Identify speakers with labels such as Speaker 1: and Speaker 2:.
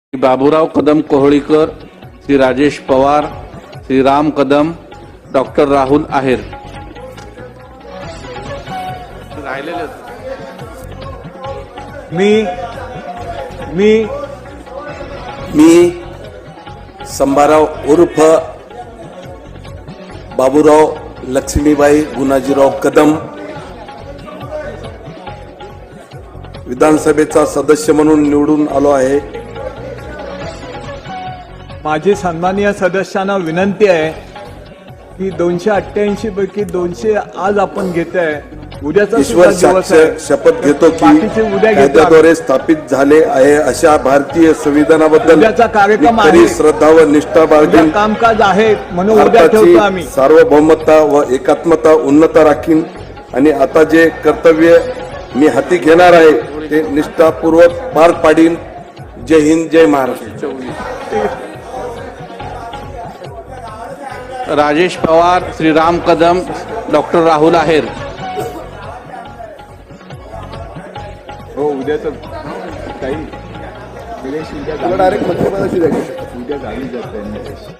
Speaker 1: Shri Baburao Kadam Kohalikar, Shri Rajesh Pawar, Shri Ram Kadam, doctor Rahul Aher. राहिलेले
Speaker 2: मी संभाराव उर्फ बाबूराव लक्ष्मीबाई गुणाजीराव कदम विधानसभेचा सदस्य म्हणून निवडून आलो आहे.
Speaker 3: माझी सन्माननीय सदस्यांना विनंती आहे की 288 पैकी 200 आज आपण घेत आहे. उद्याचा
Speaker 2: ईश्वर
Speaker 3: सुद्धा दिवस
Speaker 2: साक्ष
Speaker 3: आहे.
Speaker 2: शपथ घेतो की
Speaker 3: बाकीचे उद्या घेतो.
Speaker 2: कायद्याद्वारे स्थापित झाले आहे अशा भारतीय संविधानाबद्दल
Speaker 3: उद्याचा कार्यक्रम
Speaker 2: मी खरी
Speaker 3: आहे.
Speaker 2: श्रद्धा व निष्ठा
Speaker 3: उद्या
Speaker 2: बाळगीन.
Speaker 3: कामकाज आहे म्हणून उद्या
Speaker 2: भारताची
Speaker 3: ठेवतो आम्ही.
Speaker 2: सार्वभौमता व एकात्मता उन्नत राखीन आणि आता जे कर्तव्य मी हाती घेणार आहे ते निष्ठापूर्वक पार पाडीन. जय हिंद, जय महाराष्ट्र.
Speaker 1: राजेश पवार, श्री राम कदम, डॉक्टर राहुल आहेर.
Speaker 3: हो उद्याचं काही उद्या
Speaker 2: डायरेक्ट मंत्रिपदाची
Speaker 3: उद्या झाली जात